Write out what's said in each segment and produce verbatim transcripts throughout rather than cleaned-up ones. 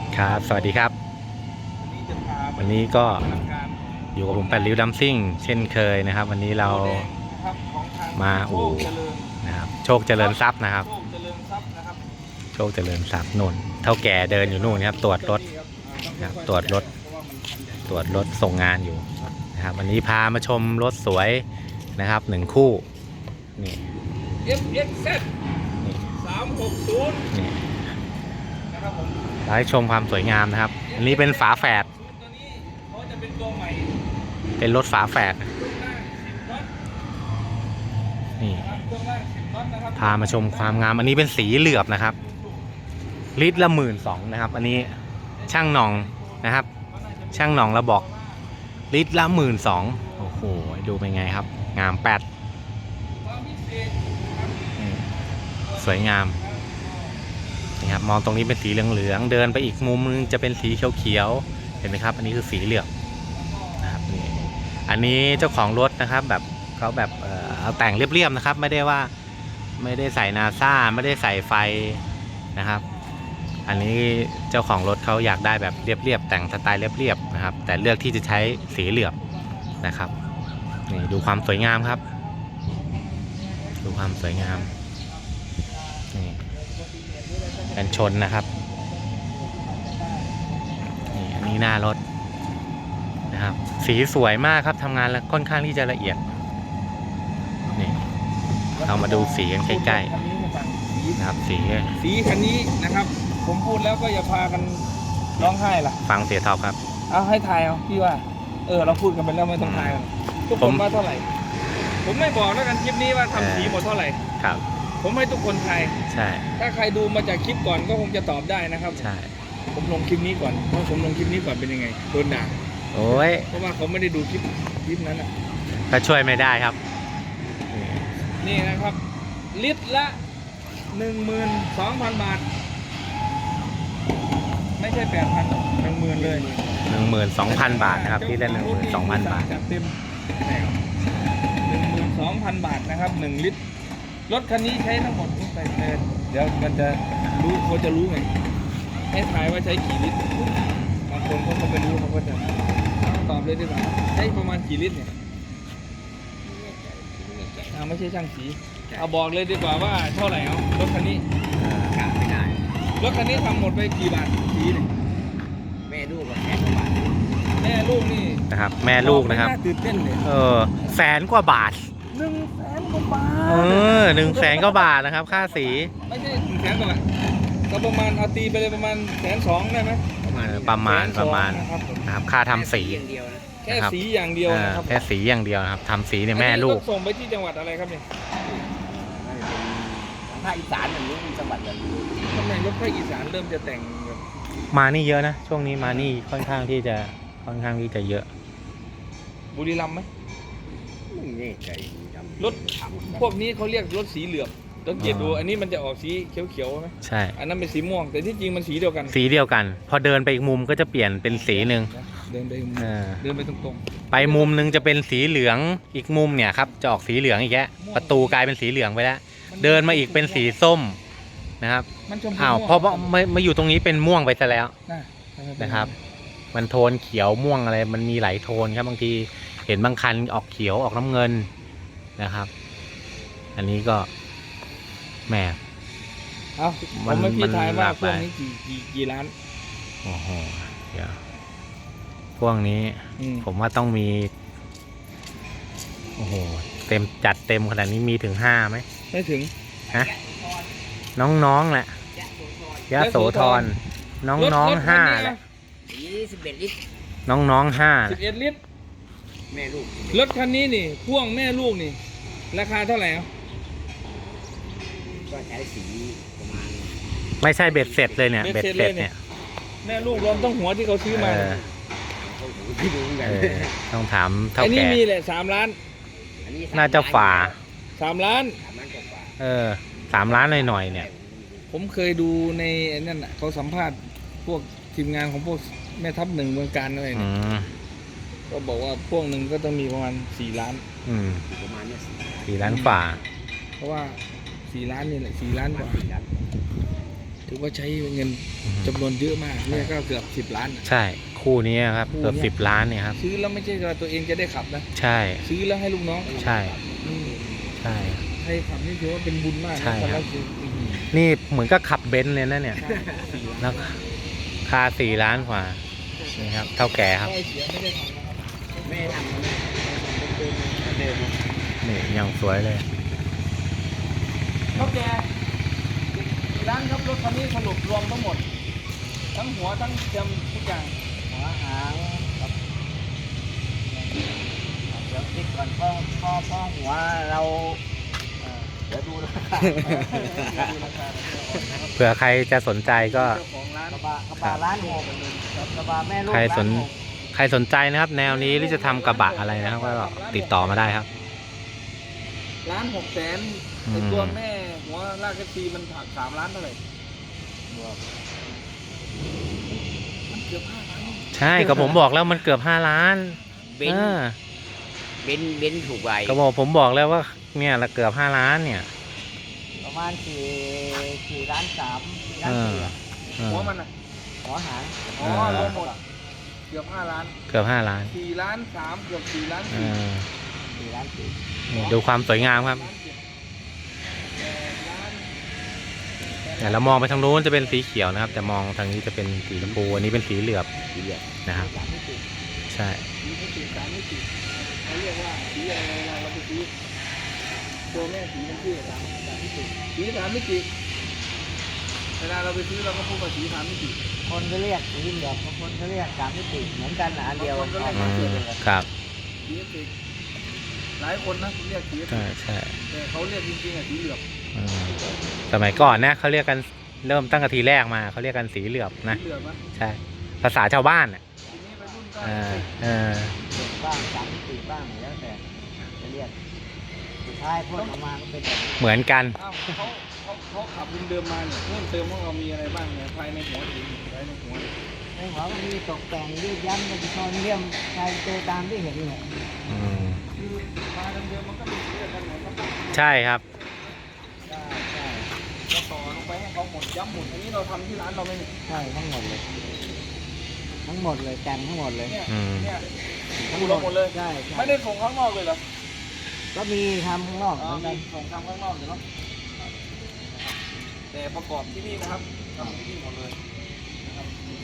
ครับสวัสดีครับวันนี้ก็อยู่กับผมแปดริ้วดัมซิ่งเช่นเคยนะครับวันนี้เรามาอู่นะครับโชคเจริญทรัพย์นะครับโชคเจริญทรัพย์นุ่นเท่าแก่เดินอยู่นู่นครับตรวจรถนะครับตรวจรถตรวจรถส่งงานอยู่นะครับวันนี้พามาชมรถสวยนะครับหนึ่งคู่นี่เอฟ เอ็กซ์ แซด สามหกศูนย์นี่นะครับผมให้ชมความสวยงามนะครับอันนี้เป็นฝาแฝดตัวนี้เขาจะเป็นตัวใหม่เป็นรถฝาแฝดเครื่องล่างสิบน็อตนี่นะครับเครื่องล่างสิบน็อตนะครับพามาชมความงามอันนี้เป็นสีเหลือบนะครับลิตรละหมื่นสองนะครับอันนี้ช่างหน่องนะครับช่างหน่องเราบอกลิตรละหมื่นสองโอ้โหดูเป็นไงครับงามแปดความพิเศษนะครับสวยงามนี่ครับมองตรงนี้เป็นสีเหลืองๆเดินไปอีกมุมนึงจะเป็นสีเขียวๆเห็นไหมครับอันนี้คือสีเหลือบนะครับนี่อันนี้เจ้าของรถนะครับแบบเขาแบบเอ่อเอาแต่งเรียบๆนะครับไม่ได้ว่าไม่ได้ใส่นาซ่าไม่ได้ใส่ไฟนะครับอันนี้เจ้าของรถเขาอยากได้แบบเรียบๆแต่งสไตล์เรียบๆนะครับแต่เลือกที่จะใช้สีเหลือบนะครับนี่ดูความสวยงามครับดูความสวยงามนี่กันชนนะครับนี่อันนี้หน้ารถนะครับสีสวยมากครับทำงานแล้วค่อนข้างที่จะละเอียดนี่เรามาดูสีกันใกล้ๆนะครับสีสีคันนี้นะครับผมพูดแล้วก็อย่าพากันร้องไห้ล่ะฟังเสียท็อปครับเอาให้ทายเอาพี่ว่าเออเราพูดกันไปแล้วไม่ต้องทายกันทุกคนว่าเท่าไหร่ผมไม่บอกแล้วกันคลิปนี้ว่าทำสีหมดเท่าไหร่ครับผมให้ทุกคนทายใช่ถ้าใครดูมาจากคลิปก่อนก็คงจะตอบได้นะครับใช่ผมลงคลิปนี้ก่อนเพราะผมลงคลิปนี้ก่อนเป็นยังไงโดนด่าโอ้ยเพราะว่าเขาไม่ได้ดูคลิปคลิปนั้นนะก็ช่วยไม่ได้ครับนี่นะครับ ลิตรละหนึ่งหมื่นสองพันบาท ไม่ใช่แปดพันหนึ่งหมื่นเลยหนึ่งหมื่นสองพันบาทนะครับที่ได้หนึ่งหมื่นสองพันบาทจัดเต็มหนึ่งหมื่นสองพันบาทนะครับหนึ่งลิตรรถคันนี้ใช้ทั้งหมดไปเลยเดี๋ยวมันจะรู้เขาจะรู้ไงให้ทายว่าใช้กี่ลิตรบางคนเขาก็ไม่รู้เขาก็จะตอบเลยดีกว่าใช้ประมาณกี่ลิตรเนี่ยอ่าไม่ใช่ช่างสีเอาบอกเลยดีกว่าว่าเท่าไหร่เอารถคันนี้กะไม่ได้รถคันนี้ทำหมดไปกี่บาทสีเนี่ยแม่ลูกก็แสนกว่าบาทแม่ลูกนี่นะครับแม่ลูกนะครับไม่าตื่นเต้นเลยเออแสนกว่าบาทหนึ่งแสนกว่าบาทเออหนึ่งแสนกว่าบาทนะครับค่าสีไม่ใช่หนึ่งแสนกว่าบาทก็ประมาณเอาตีไปเลยประมาณแสนสองได้ไหมประมาณเออนี้ประมาณประมาณนะครับผมนะครับค่าทำสีอย่างเดียวนะแค่สีอย่างเดียวเออนะครับแค่สีอย่างเดียวนะครับทำสีเนี่ยแม่ลูกอันนี้รถส่งไปที่จังหวัดอะไรครับเนี่ยภาคอีสานอย่างนี้มีจังหวัดอย่างนี้ทำไมรถภาคอีสานเริ่มจะแต่งแบบมานี่เยอะนะช่วงนี้มานี่ค่อนข้างที่จะค่อนข้างที่จะเยอะบุรีรัมย์ไหมไม่แน่ใจจำรถพวกนี้เขาเรียกรถสีเหลือบต้องเกียรดูอันนี้มันจะออกสีเขียวๆไหมใช่อันนั้นเป็นสีม่วง แต่ที่จริงมันสีเดียวกันสีเดียวกัน พอเดินไปอีกมุมก็จะเปลี่ยนเป็นสีหนึ่งเดินไปเออเดินไปตรงไปมุมนึงจะเป็นสีเหลืองอีกมุมเนี่ยครับจะออกสีเหลืองอีกแยะประตูกลายเป็นสีเหลืองไปแล้วๆเดินมาอีกเป็นสีส้มนะครับมันชมพูอ้าวม่งเพราะว่ามามาอยู่ตรงนี้เป็นม่วงไปซะแล้วนะนะครับ มันโทนเขียวม่วงอะไรมันมีหลายโทนครับบางทีเห็นบางคันออกเขียวออกน้ำเงินนะครับ อันนี้ก็แหมเอาผมันมไม่พี่ทายมันหว่าลากพหวลาก ยนี้กี่กี่กี่ล้านโอ้โหเดี๋ยวพวกนี้อืมผมว่าต้องมีโอ้โหเต็มจัดเต็มขนาดนี้มีถึงห้าไหมไม่ถึงฮะน้องๆแหละยะโสธรน้องๆห้าแหละยี่สิบเอ็ดลิตรน้องๆห้าสิบเอ็ดลิตรแม่ลูกรถคันนี้นี่พ่วงแม่ลูกนี่ ราคาเท่าไหร่อ่ะก็ใช้สีประมาณไม่ใช่เบ็ดเสร็จเลยเนี่ยเบ็ดเสร็จเนี่ยแม่ลูกรวมต้องหัวที่เขาซื้อมาเออเขาหูที่ดูกันเออต้องถามเท่าอันนี้แก่มีแหละสามล้านอันนี้น่าจะฝ่าสามล้านสามล้านกว่าเออสามล้านหน่อยๆเนี่ยผมเคยดูในไอ้นั่นน่ะเขาสัมภาษณ์พวกทีมงานของพวกแม่ทัพหนึ่งเมืองการอะไรอืเนี่ยมก็บอกว่าพวกหนึ่งก็ต้องมีประมาณสี่ล้านอืมประมาณเนี้ยสี่ล้านสี่ล้านฝ่าเพราะว่าสี่ล้านนี่แหละสี่ล้านกว่าสี่ล้านตถือว่าใช้เงินจำนวนเยอะมากเนี่ยก็เกือบสิบล้านอะใช่คู่นี้ครับเกือบสิบล้านเนี่ยครับซื้อแล้วไม่ใช่ว่าตัวเองจะได้ขับนะใช่ซื้อแล้วให้ลูกน้องใช่อืมใช่ให้ขับนี่ถือว่าเป็นบุญมากใช่นะครับแล้วคืออื้อหือนี่เหมือนก็ขับเบนซ์เลยนะเนี่ยใช่สี่ล้านแล้วค่าสี่ล้านกว่านี่ครับ เท่าแก่ครับไอ้เสียไม่ได้ทำนะครับไม่ได้ทำนะเป็นเดิมนี่ยังสวยเลยเท่าแก่กี่ล้านครับรถคันนี้สรุปรวมทั้งหมด ทั้งหัวทั้งเทียมทุกอย่างหัวหางครับเดี๋ยวคิดก่อนพ่อพ่อพ่อหัวเราเอ่อเดี๋ยวดูราคาดูราคาเผื่อใครจะสนใจก็เจ้าของร้านกระบะกระบะล้านหกกระบะแม่ลูกใครสนล้านหกใครสนใจนะครับ แนวนี้หรือจะทำกระบะอะไรนะครับ ก็ติดต่อมาได้ครับล้านหกแสนอืมไอตัวแม่หัวลากกระซีมันถักสามล้านเท่าไหร่มันเกือบห้าล้านใช่ก็ผมบอกแล้วมันเกือบห้าล้านเบนเออเบนเบนถูกใบก็บอกผมบอกแล้วว่าเนี่ยละเกือบห้าล้านเนี่ยประมาณสี่สี่ล้านสามสี่ล้านเออสี่อะเออหัวมันอ่ะหัวหางอ๋อเออรวมหมดเกือบห้าล้านเกือบห้าล้านสี่ล้านสามเกือบสี่ล้านเอสี่อสี่ล้านสี่นี่ดูความสวยงามครับล้านเจ็ดแปดล้านเนี่ยเรามองไปทางนู้นจะเป็นสีเขียวนะครับ แต่มองทางนี้จะเป็นสีชมพูอันนี้เป็นสีเหลือบสี่เหลี่ยมนะครับสามมิติใช่สีไม่ติดสามไม่ติดเขาเรียกว่าสีอะไรเวลาเราไปซื้อตัวแม่สีมันชื่อสามสามมิติสีสามมิติเวลาเราไปซื้อเราก็พูดว่าสีสามมิติคนก็เรียกสี่เหลี่ยมบางคนก็เรียกสามมิติเหมือนกันนะอันเดียวบางคนก็เรียกอืมครับสีติดหลายคนนะเรียกสีใช่ใช่แต่เขาเรียกจริงๆอ่ะสีเหลือบอืมสมัยก่อนนะเขาเรียกกันเริ่มตั้งแต่ทีแรกมาเขาเรียกกันสีเหลือบนะสีเหลือบนะใช่ ภาษาชาวบ้านอ่ะทีนี้ไปรุ่นก็เออเออบ้างสามมิติบ้างแล้วแต่จะเรียกสุดท้ายพ่นออกมาก็เป็นแบบนี้เหมือนกันอ้าวเขาเขาเขาขับเดิมๆมาเนี่ยเพิ่มเติมของเรามีอะไรบ้างเนี่ยภายในหัวสีภายในหัวเนี่ยในหัวมันมีตกแต่งยืดยั้นเป็นโซนเลี่ยมชายเจอตามที่เห็นเลยอืมคือมาเดิมๆมันก็มีเรื่องกันหมดครับใช่ครับใช่ใช่เราต่อลงไปให้เขาหมดย้ำหมดอันนี้เราทำที่ร้านเราไม่มีใช่ทั้งหมดเลย ทั้งหมดเลยแต่งทั้งหมดเลยเนี่ยอืมเนี่ยทั้งหมดเลยใช่ใช่ไม่ได้ส่งข้างนอกเลยเหรอก็มีทำข้างนอกอ๋เหอมือนมีกันส่งทำข้างนอกอยู่เนาะแต่ประกอบที่นี่นะครับทำที่นี่หมดเลยนะครับ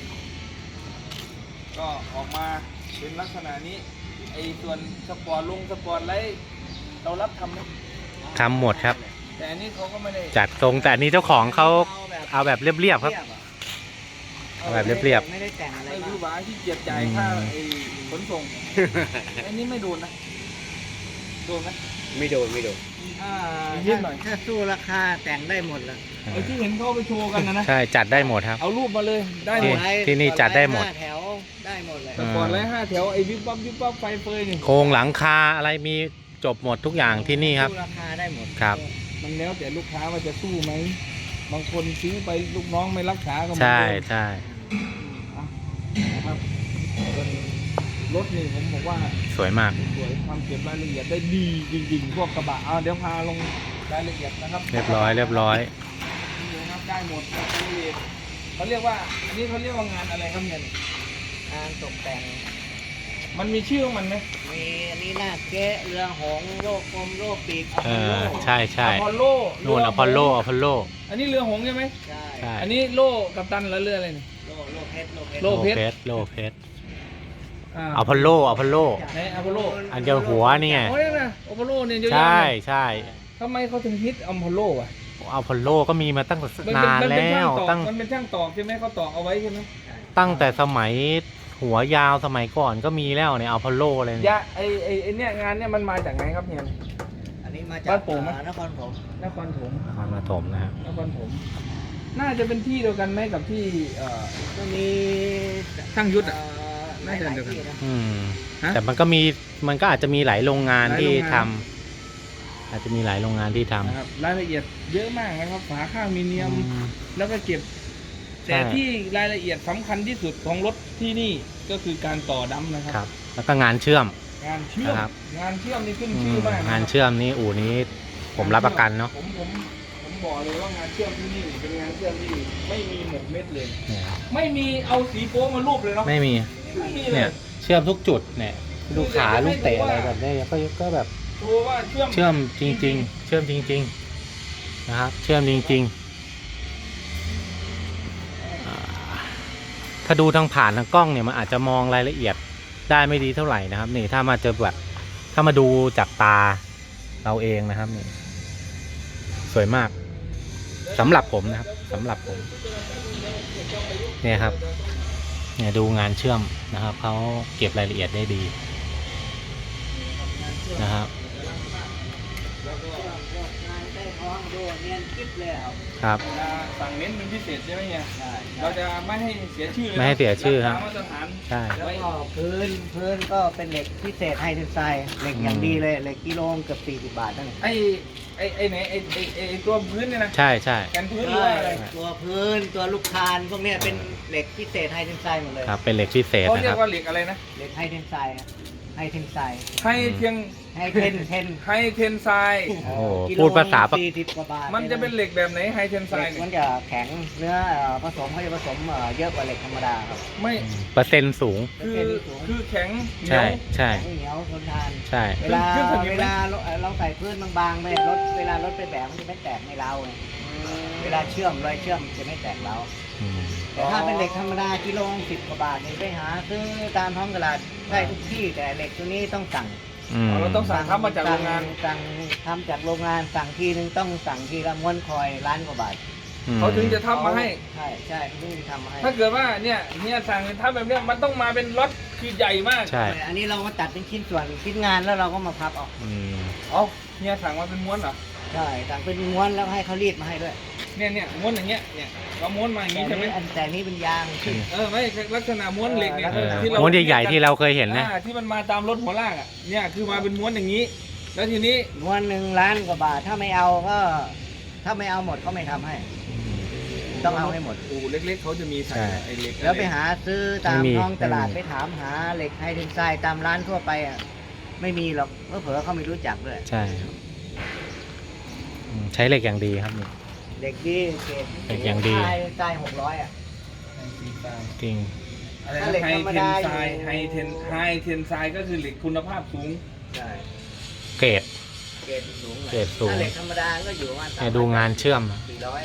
ก็ออกมาเป็นลักษณะนี้ไอ้ส่วนสปอร์ตลงสปอร์ตไลท์เรารับทำไหมทำหมดครับแต่อันนี้เขาก็ไม่ได้จัดทรงแต่อันนี้เจ้าของเขาเอาแบบเรียบๆครับ เอาแบบเรียบไม่ได้แต่งอะไรไม่มารู้กว่าที่เกียจจ่ายค่าไอ้ขนส่ง อันนี้ไม่โดนนะ โดนไหมไม่โดนไม่โดนอ่าถ้าถ้าสู้ราคาแต่งได้หมดเลยไอ้ที่เห็นเขาเอาไปโชว์กันนะนะใช่จัดได้หมดครับเอารูปมาเลย ได้หที่มดที่นี่จัดได้หมดแถวได้หมดเลยแต่ก่อนไล่ห้าแถวไอ้วิบวับวิบวับไฟเฟยนี่โครงหลังคาอะไรมีจบหมดทุกอย่างที่นี่ครับสู้ราคาได้หมดครับมันแล้วแต่ลูกค้าว่าจะสู้ไหม บางคนซื้อไปลูกน้องไม่รักษาก็ไม่ใช่ได้ใช่อ่ะนะครับส่วนรถนี่ผมบอกว่าสวยมากสวยความเก็บรายละเอียดได้ดีจริงๆ พวกกระบะเอาเดี๋ยวพาลงรายละเอียดนะครับเรียบร้อยเรียบร้อยนี่นะครับได้หมดรายละเอียดเขาเรียกว่า อันนี้เขาเรียกว่างานอะไรครับเนี่ยงานตกแต่งมันมีชื่อของมันไหมมีอันนี้หน้าเก๊ะเรือหงส์โลกกลมโลกปีกเออใช่ใช่อพอลโลนู่นอพอลโลอพอลโลอันนี้เรือหงส์ใช่ไหมใช่ใช่อันนี้โล่กัปตันแล้วเรืออะไรนี่โลกโลกเพชรโลกเพชรโลกเพชรโลเพชรอ่าอพอลโลอพอลโลไหนอพอลโลอันเดียวหัวนี่ไงโอ้ยนะอพอลโลเนี่ยเยอะใช่แยะเลยใช่ทำไมเขาถึงฮิตอพอลโลอ่ะอพอลโลก็มีมาตั้งแต่มันนาเป็นนมันเป็นแล้ช่างวตอกตั้งมันเป็นช่างตอกใช่ไหมเขาตอกเอาไว้ใช่ไหมตั้งแต่สมัยหัวยาวสมัยก่อนก็มีแล้วเนี่ยอพอลโลเลยยาเนี่ยไอไอไอเนี่ยงานเนี่ยมันมาจากไหนครับเฮียอันนี้มาจากบ้านโป่งไหมเอ่อนครผมนครถมนครปฐมนะครับนครถมน่าจะเป็นที่เดียวกันไหมกับที่เอ่อก็มีช่างยุทธอะเอ่อน่าจะเดียวกันหลาที่ะอืมฮะแต่มันก็มีมันก็อาจจะมีหลายโรงงานหลายที่โรงงานทำอาจจะมีหลายโรงงานที่ทำนะครับรายละเอียดเยอะมากนะครับฝาข้างมีเนียมอืมแล้วก็เก็บใช่แต่ที่รายละเอียดสำคัญที่สุดของรถที่นี่ก็คือการต่อดั้มนะคครัรับแล้วก็งานเชื่อมงานเชื่อมนะครับงานเชื่อมนี่ขึ้นอืชื่อมมากนะงานเชื่อมนี้อู่นี้ผมรับประกันเนาะผมผมผมบอกเลยว่างานเชื่อมที่นี่เป็นงานเชื่อมที่ไม่มีหมกเม็ดเลยเนี่ยไม่มีเอาสีโป๊มารูปเลยเนาะไม่มีไม่มีเลเนี่ย ยเชื่อมทุกจุดเนี่ยดูขาลูกเตะอะไรแบบนี้ก็ก็แบบโชว์ว่าเชื่อมเชื่อมจริง ๆ เชื่อมจริง ๆ นะครับ เชื่อมจริงๆอ่าถ้าดูทางผ่านทางกล้องเนี่ยมันอาจจะมองรายละเอียดได้ไม่ดีเท่าไหร่นะครับนี่ถ้ามาเจอแบบถ้ามาดูจากตาเราเองนะครับนี่สวยมากสำหรับผมนะครับสำหรับผมเนี่ยครับเนี่ยดูงานเชื่อมนะครับเขาเก็บรายละเอียดได้ดีนะครับงานใต้ท้องดูเนียนกิ๊บเลยครับครับเวลาสั่งเน้นเป็นพิเศษใช่ไหมเนี่ยใช่เราจะไม่ให้เสียชื่อเลยไม่ให้เสียชื่อครับกษามาตรฐานใช่แล้วก็พื้นพื้นก็เป็นเหล็กพิเศษไฮเทนไซด์เหล็กอย่างดีเลยเหล็กกิโลเกือบสี่สิบบาทนั่นไอ้ไอ้ไอ้ไหนไอ้ไอ้ไอ้ไอ้ตัวพื้นเนี่ยนะใช่ใช่แกนพื้นหรือว่าอะไรตัวพื้นตัวลูกคานพวกเนี้ยเป็นเหล็กพิเศษไฮเทนไซด์หมดเลยครับเป็นเหล็กพิเศษเขานะเรีคยรับกว่าเหล็กอะไรนะเหล็กไฮเทนไซด์ไฮเทนไซด์ให้เทียงไฮเทนเทนไฮเทนไซด์โอ้โหพูดภาษาปะสี่สิบกว่าบาทมันจะเป็นเหล็กแบบไหนไฮเทนไซเหล็กด์มันจะแข็งเนื้อเอ่อผสมเขาจะผสมเอ่อเยอะกว่าเหล็กธรรมดาครับไม่เปอร์เซ็นต์สูงคือคือแข็งเหนีใช่ยวใช่แข็งเหนียวทนทานใช่เวลาขึ้นสนิมไหมเวลาเราเราใส่พื้นบางๆไปรถเวลารถไปแบกมันจะไม่แตกในเราไงเวลาเชื่อมรอยเชื่อมจะไม่แตกเราอืมแต่ถ้าเป็นเหล็กธรรมดากิโลสิบกว่าบาทเนี่ยไปหาซื้อตามท้องตลาดได้ทุกที่แต่เหล็กตัวนี้ต้องสั่งอืมเราต้องสั่งทำมาจากโรงงานสั่งทำจากโรงงานสั่งทีนึงต้องสั่งทีละม้วนคอยล้านกว่าบาทเขาถึงจะทำมาให้ใช่ใช่เขาถึงจะทำมาให้ถ้าเกิดว่าเนี่ยเนี่ยสั่งทำแบบเนี้ยมันต้องมาเป็นล็อตคือใหญ่มากใช่อันนี้เรามาตัดเป็นชิ้นส่วนชิ้นงานแล้วเราก็มาพับเออกอืมเอาเนี่ยสั่งมาเป็นม้วนเหรอใช่สั่งเป็นม้วนแล้วให้เขารีดมาให้ด้วยเนี่ยเนี่ยม้วนอย่างเงี้ยเนี่ยเราม้วนมาอย่างแต่งี้ใช่ไหมนี้อันแต่นี้เป็นยางที่เออไม่ลักษณะม้วนเหล็กเนี่ยเออที่เราม้วนใหญ่ๆที่เราเคยเห็นนะอ่าที่มันมาตามรถหัวลากอ่ะเนี่ยคือมาเป็นม้วนอย่างนี้ แล้วทีนี้ม้วนหนึ่งล้านกว่าบาทถ้าไม่เอาก็ ถ้าไม่เอาหมดก็ไม่ทำให้ ต้องเอาให้หมดอู่เล็กๆเขาจะมีใส่ใช่ไอ้เหล็กแล้วไปหาซื้อตามไม่มีท้องตลาดไม่มีไปถามหาเหล็กไฮเทนไซด์ตามร้านทั่วไปอ่ะไม่มีหรอกเผลอๆเขาไม่รู้จักด้วยใช่ครับอืมใช้เหล็กอย่างดีครับนี่เด็กดีเกรดเหล็กอย่างดีไฮไซด์หกร้อยอ่ะจริงอะไรถ้าเหล็กไฮธรรมเทนดาไซด์อยู่ไฮเทนไฮเทนไซด์ก็คือเหล็กคุณภาพสูงใช่เกรดเกรดสูงหน่อยเกรดสูงถ้าเหล็กธรรมดาก็อยู่ประมาณเนี่ยดูงานเชื่อมสี่ร้อย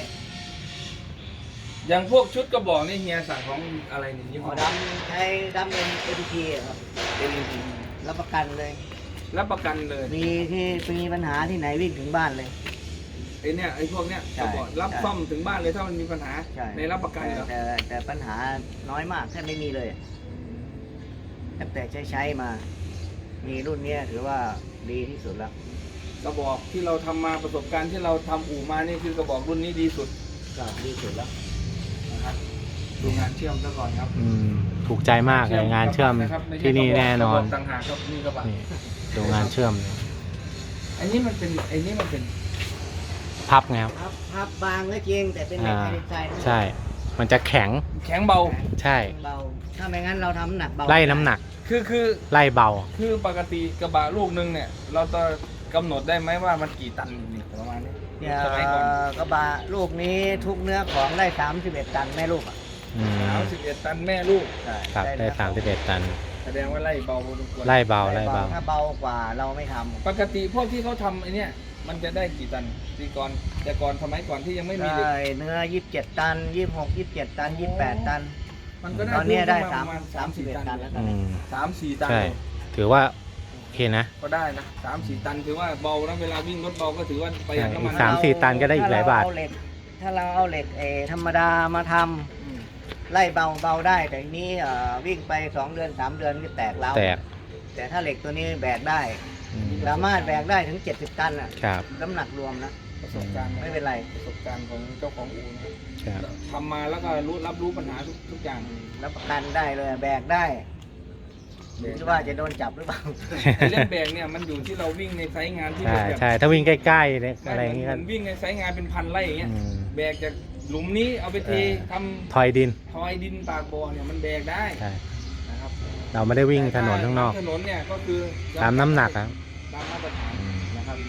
อย่างพวกชุดกระบอกนี่เฮียสั่งของอะไรเนี่ยยี่หห้ออดำใช้ดำเป็นเอทีพีครับเป็นรับประกันเลยรับประกันเลยมีที่มีปัญหาที่ไหนวิ่งถึงบ้านเลยไอ้เนี่ยไอ้พวกเนี้ยใช่กระบอกรับใช่ซ่อมถึงบ้านเลยถ้ามันมีปัญหาใช่ในรับประกันเหรอแต่แต่แต่ปัญหาน้อยมากแทบไม่มีเลยตั้งแต่ใช้ใช้มา มีรุ่นเนี้ยถือว่าดีที่สุดแล้วกระบอกที่เราทำมาประสบการณ์ที่เราทำอู่มานี่คือกระบอกรุ่นนี้ดีสุดก็ดีสุดแล้วนะครับดูงานเชื่อมซะก่อนครับอืมถูกใจมากเลยงานเชื่อมนะครับไใช่ที่นี่แน่นอนกระบอกต่างหากครับนี่กระบะนี่ดูงานเชื่อมเลยอันนี้มันเป็นไอ้นี่มันเป็นพับไงครับพับพับบางก็จริงแต่เป็นเหล็กอ่าไฮเดรไซด์ใช่ มันจะแข็งแข็งเบาใช่เบาถ้าไม่งั้นเราทำน้ำหนักเบาไล่น้ำหนักคือคือไล่เบาคือปกติกระบะลูกนึงเนี่ย เราจะกำหนดได้ไหมว่ามันกี่ตันนี่ประมาณนี้เนี่ยสมัยก่อนกระบะลูกนี้ทุกเนื้อของได้สามสิบเอ็ดตันแม่ลูกอ่ะอืมสามสิบเอ็ดตันแม่ลูกใช่ครับได้เนื้อสามสิบเอ็ดตันแสดงว่าไล่เบาพอสมควรไล่เบาได้ไล่เบาถ้าเบากว่าเราไม่ทำปกติพวกที่เขาทำไอ้เนี่ยมันจะได้กี่ตันตีก่อนแต่ก่อนสมัยก่อนที่ยังไม่มีเหล็กได้เนื้อยี่สิบเจ็ดตันยี่สิบหกยี่สิบเจ็ดตันยี่สิบแปดตันมันก็ได้ตอนเนี้ยได้ปสามระมาณสามสิบเอ็ดตันแล้วอืมสามสี่ตันใช่ ถือว่าโอเคนะก็ได้นะสามสี่ตันถือว่าเบานะเวลาวิ่งรถเบาก็ถือว่าประหยัดน้ำมันสามสี่ตันก็ได้อีกหลายบาทถ้เเหล็กถ้าเราเอาเหล็กเออธรรมดามาทำอืมไล่เบาเบาได้แต่ทีนี้เอ่อวิ่งไปสองเดือนสามเดือนก็แตกแล้วแตกแต่ถ้าเหล็กตัวนี้แบกได้อืมสามารถแบกได้ถึงเจ็ดสิบตันอ่ะครับน้ำหนักรวมนะประสบการณ์ไม่เป็นไรประสบการณ์ของเจ้าของอู่นะครับครับทำมาแล้วก็รู้รับรู้ปัญหาทุกทุกอย่างรับประกันได้เลยแบกได้หรือว่าจะโดนจับหรือเปล่าไอ้เรื่องแบกเนี่ยมันอยู่ที่เราวิ่งในไซต์งานที่ใช่เป็นแบบใช่ ถ้าวิ่งใกล้ๆเนี่ยอะไรอย่างเงี้เงี้ยมันวิ่งในไซต์งานเป็นพันไร่อย่างเงี้ยอืมแบกจากหลุมนี้เอาไปเทเออทำถอยดินทอยดินปากบ่อเนี่ยมันแบกได้ใช่นะครับเราไม่ได้วิ่งถนนข้างนอกถนนเนี่ยก็คือตามน้ำหนักครับตามมาตรฐานอืมนะครับ ถ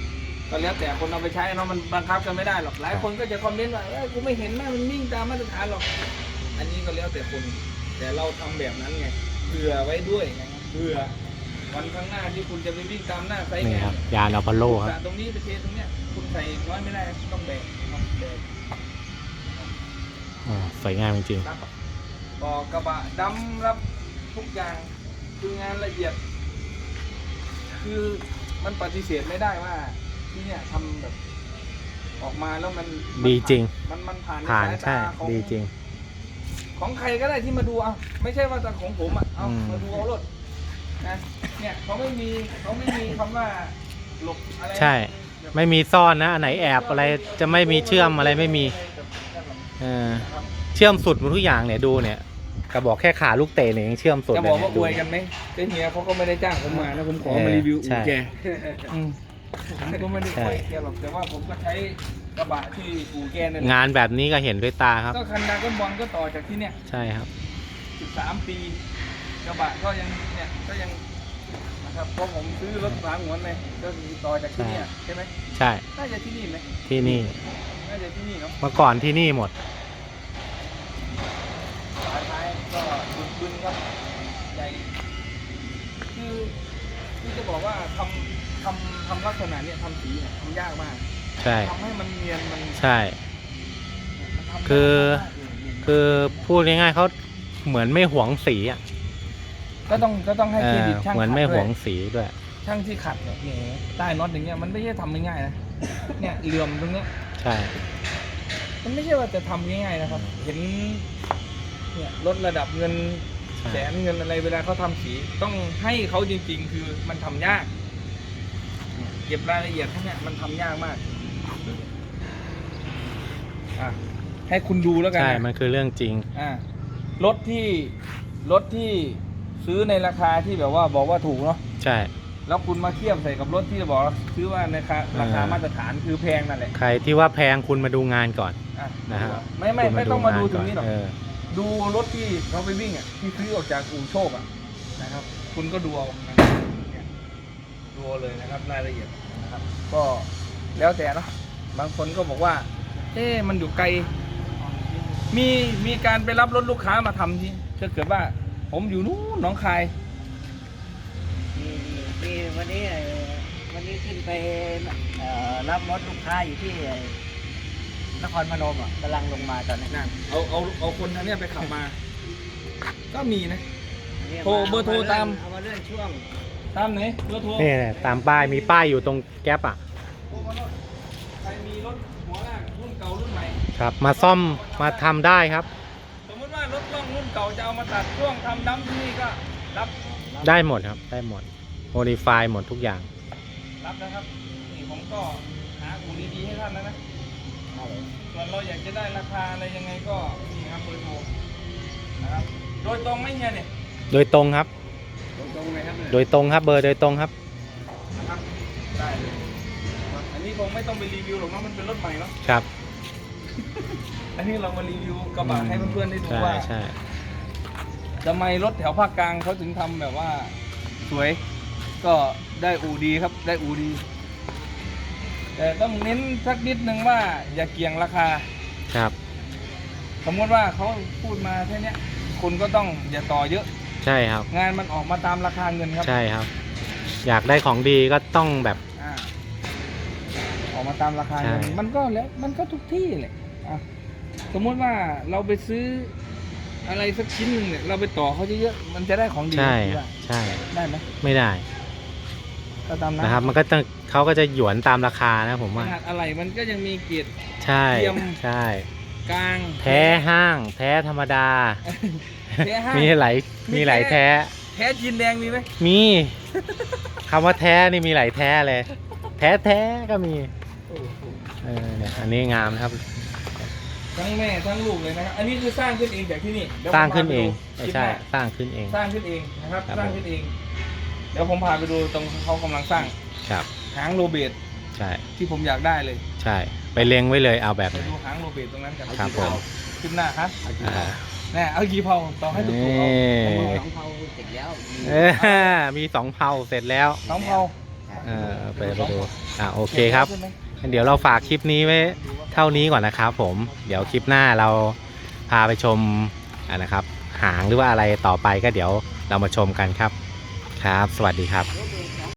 ก็แล้วแต่คนเอาไปใช้เนาะมันบังคับกันไม่ได้หรอกหลายคนก็จะคอมเมนต์ว่าเอ้ยกูไม่เห็นนะมันวิ่งตามมาตรฐานหรอกอันนี้ก็แล้วแต่คนแต่เราทำแบบนั้นไงเผื่อไว้ด้วยนะครับเผื่อวันข้างหน้าที่คุณจะไปวิ่งตามหน้าไซต์นี่งาครับนยานอพอลโลครับตรงนี้ไปเทตรงเนี้ยคุณใส่น้อยไม่ได้ต้องแบกต้องแบกอ๋อสวยงามจริงรับบอกกระบะดำรับทุกอย่างคืองานละเอียด คือมันปฏิเสธไม่ได้ว่าที่เนี่ยทำแบบออกมาแล้วมันๆ ดีจริงมันมันผ่านผ่านสายใช่ตาของดีจริงของใครก็ได้ที่มาดูเอาไม่ใช่ว่าแต่ของผมอ่ะเอาอืมมาดูเอารถนะเนี่ยเขาไม่มีเขาไม่มีคำว่าหลบอะไรใช่ ไม่มีซ่อนนะอันไหนแอบอะไรจะไม่มีเชื่อมอะไรไม่มีเออเชื่อมสุดหมดทุกอย่างเนี่ยดูเนี่ยกระบอกแค่ขาลูกเตะเนี่ยยังเชื่อมสุดจะเลบอกยว่าเนี่ยอดูวยกันไหมเจ๊เฮียเขาก็ไม่ได้จ้างผมมานะผมขอมาเออรีวิวใช่อู่แกอืมผมก็ไม่ได้ใช่อวยแกหรอกแต่ว่าผมก็ใช้กระบะที่อู่แกนั่นแหละงานแบบนี้ก็เห็นด้วยตาครับก็คันดาก้อนบอลก็ต่อจากที่เนี่ยใช่ครับสิบสามปีกระบะก็ยังเนี่ยก็ยังนะครับเพราะผมซื้อรถสามหัวเลยก็มีต่อจากที่เนี่ยใช่ไหมใช่น่าจะที่นี่ไหมที่นี่น่าจะที่นี่เนาะเมื่อก่อนที่นี่หมดสายท้ายก็บึกบึนครับใหญ่คือคือจะบอกว่าทำทำทำลักษณะเนี่ยทำสีเนี่ยทำยากมากใช่ทำให้มันเนียนมันใช่มันทำยากคือมากเลยคือพูดง่ายๆเขาเหมือนไม่หวงสีอ่ะก็ต้องก็ต้องให้เอเครอดิตช่างเหมือนขัดไม่หด้วย งสีด้วยช่างที่ขัดเนี่ยแหมใต้น็อตอย่างเงี้ยมันไม่ใช่ทำง่ายๆนะ เนี่ยเหลื่อมตรงเนี้ยใช่มันไม่ใช่ว่าจะทำง่ายๆนะครับ เห็นเนี่ยลดระดับเงินใช่แสนเงินอะไรเวลาเขาทำสีต้องให้เขาจริงๆ คือมันทำยากเนี่ยเก็บรายละเอียดพวกเนี้ยมันทำยากมากอ่ะให้คุณดูแล้วกันใช่นะมันคือเรื่องจริงอ่ารถที่รถที่ซื้อในราคาที่แบบว่าบอกว่าถูกเนาะใช่แล้วคุณมาเทียบใส่กับรถที่บอกว่าซื้อว่าในราคาราคาอ่ามาตรฐานคือแพงนั่นแหละใครที่ว่าแพงคุณมาดูงานก่อนอ่ะนะฮะไม่ไม่คุณไม่ต้องมาดูถึก่งนี้หรอกเออดูรถที่เขาไปวิ่งอ่ะที่ซื้อออกจากอู่โชคอ่ะนะครับ คุณก็ดูเอานะครับเนี่ยดูเอาเลยนะครับรายละเอียดนะครับ ก็แล้วแต่เนาะบางคนก็บอกว่า เอ๊ะมันอยู่ไกล มีมีการไปรับรถลูกค้ามาทำที่ถ้าเกิดว่า ผมอยู่นู้นหนองคายมีมีวันนี้เอ่อวันนี้ขึ้นไปเอ่อรับรถลูกค้าอยู่ที่นครพนมอ่ะกำลังลงมาตอนนี้นั่นเอาเอาเอาคนทางเนี้ยไปขับมา ก็มีนะเนี่ยโทรเบอร์โทรตามเอามาเลื่อนช่วงตามไหนเบอร์โทรนี่ตามป้ายมีป้ายอยู่ตรงแก๊ปอ่ะโทรมาโน่นใครมีรถหัวลากรุ่นเก่ารุ่นใหม่ครับ มาซ่อมมาทำได้ครับสมมติว่ารถกล้องรุ่นเก่าจะเอามาตัดช่วงทำดั้มที่นี่ก็รับได้หมดครับ ได้หมดโมดิฟายหมดทุกอย่างรับนะครับนี่ผมก็หาอู่ดีๆให้ท่านแล้วนะส่วนเราอยากจะได้ราคาอะไรยังไงก็นี่ครับเบอร์โทรนะครับโดยตรงไหมเฮียเนี่ยโดยตรงครับโดยตรงเลยครับโดยตรงครับเบอร์โดยตรงครับนะครับได้เลยอันนี้คงไม่ต้องไปรีวิวหรอกเนาะมันเป็นรถใหม่เนาะครับอันนี้เรามารีวิวกระบะให้เพื่อนๆได้ดูใช่ว่าใช่ทำไมรถแถวภาคกลางเขาถึงทำแบบว่าสวย ก็ได้อูดีครับได้อูดี แต่ต้องเน้นสักนิดนึงว่าอย่าเกี่ยงราคาครับสมมติว่าเขาพูดมาแค่เนี้ยคุณก็ต้องอย่าต่อเยอะใช่ครับงานมันออกมาตามราคาเงินครับใช่ครับ อยากได้ของดีก็ต้องแบบอ่าออกมาตามราคาเงินใช่มันก็แล้วมันก็ทุกที่แหละอ่ะสมมติว่าเราไปซื้ออะไรสักชิ้นหนึ่งเนี่ยเราไปต่อเขาเยอะๆมันจะได้ของดีใช่คิดครับว่าใช่ได้ไหมไม่ได้ก็ตามนั้นนะครับ มันก็จะเขาก็จะหยวนตามราคานะผมขว่านาดอะไรมันก็ยังมีเกียรติใช่เทียมใช่กลางแท้ห้าง แท้ธรรมดาแท้ห้างมีหลายมีมีหลายแท้แท้แท้จีนแดงมีไหมมีคำว่าแท้นี่มีหลายแท้เลย แท้แท้ก็มี เออเนี่ยอันนี้งามนะครับทั้งแม่ทั้งลูกเลยนะครับ อันนี้คือสร้างขึ้นเองจากที่นี่เดี๋ยวสร้างผมพขึ้นไปเองดูไม่คลิปใช่หน้าสร้างขึ้นเองสร้างขึ้นเองนะครับครับสร้างขึ้นเอง เดี๋ยวผมพาไปดูตรงเขากำลังสร้างครับหางโรเบตใช่ที่ผมอยากได้เลยใช่ ไปเล็งไว้เลยเอาแบบไปไหนดูหางโรเบตตรงนั้นกันครับผมขึ้นหน้าฮะอ่าแน่เอากี่เผาต่อให้ถูกๆเอานี่สองเผาเสร็จแล้วเออมีสองเผาเสร็จแล้วสองเผาเออไปไปดูอ่าโอเคครับงั้นเดี๋ยวเราฝากคลิปนี้ไว้เท่านี้ก่อนนะครับผมเดี๋ยวคลิปหน้าเราพาไปชมอ่านะครับหางหรือว่าอะไรต่อไปก็เดี๋ยวเรามาชมกันครับครับ สวัสดีครับ